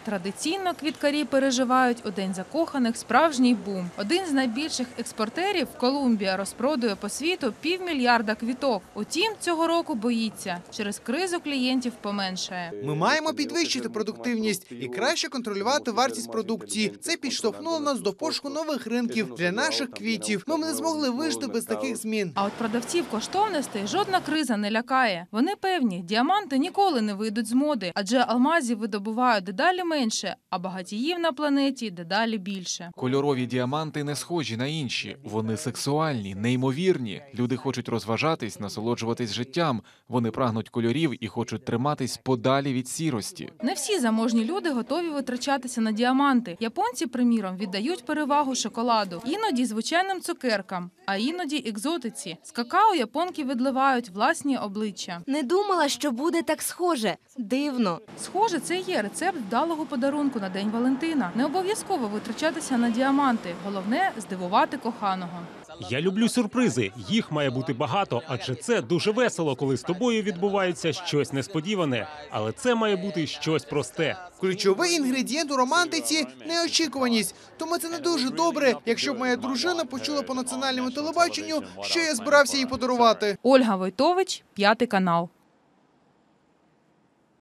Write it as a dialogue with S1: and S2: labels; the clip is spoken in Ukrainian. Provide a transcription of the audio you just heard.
S1: Традиційно квіткарі переживають у День закоханих справжній бум. Один з найбільших експортерів, Колумбія, розпродує по світу 500 мільйона квіток. Утім, цього року боїться. Через кризу клієнтів поменшає.
S2: Ми маємо підвищити продуктивність і краще контролювати вартість продукції. Це підштовхнуло нас до пошуку нових ринків для наших квітів. Ми б не змогли вижити без таких змін.
S1: А от продавців коштовностей жодна криза не лякає. Вони певні, діаманти ніколи не вийдуть з моди, адже алмазів видобувають дедалі менше, а багатіїв на планеті дедалі більше.
S3: Кольорові діаманти не схожі на інші. Вони сексуальні, неймовірні. Люди хочуть розважатись, насолоджуватись життям. Вони прагнуть кольорів і хочуть триматись подалі від сірості.
S1: Не всі заможні люди готові витрачатися на діаманти. Японці, приміром, віддають перевагу шоколаду. Іноді звичайним цукеркам, а іноді екзотиці. З какао японки відливають власні обличчя.
S4: Не думала, що буде так схоже. Дивно.
S1: Схоже, це є рецепт вдалого подарунку на День Валентина. Не обов'язково витрачатися на діаманти. Головне – здивувати коханого.
S5: Я люблю сюрпризи. Їх має бути багато, адже це дуже весело, коли з тобою відбувається щось несподіване. Але це має бути щось просте.
S2: Ключовий інгредієнт у романтиці – неочікуваність. Тому це не дуже добре, якщо б моя дружина почула по національному телебаченню, що я збирався їй подарувати.
S1: Ольга Войтович, 5 канал.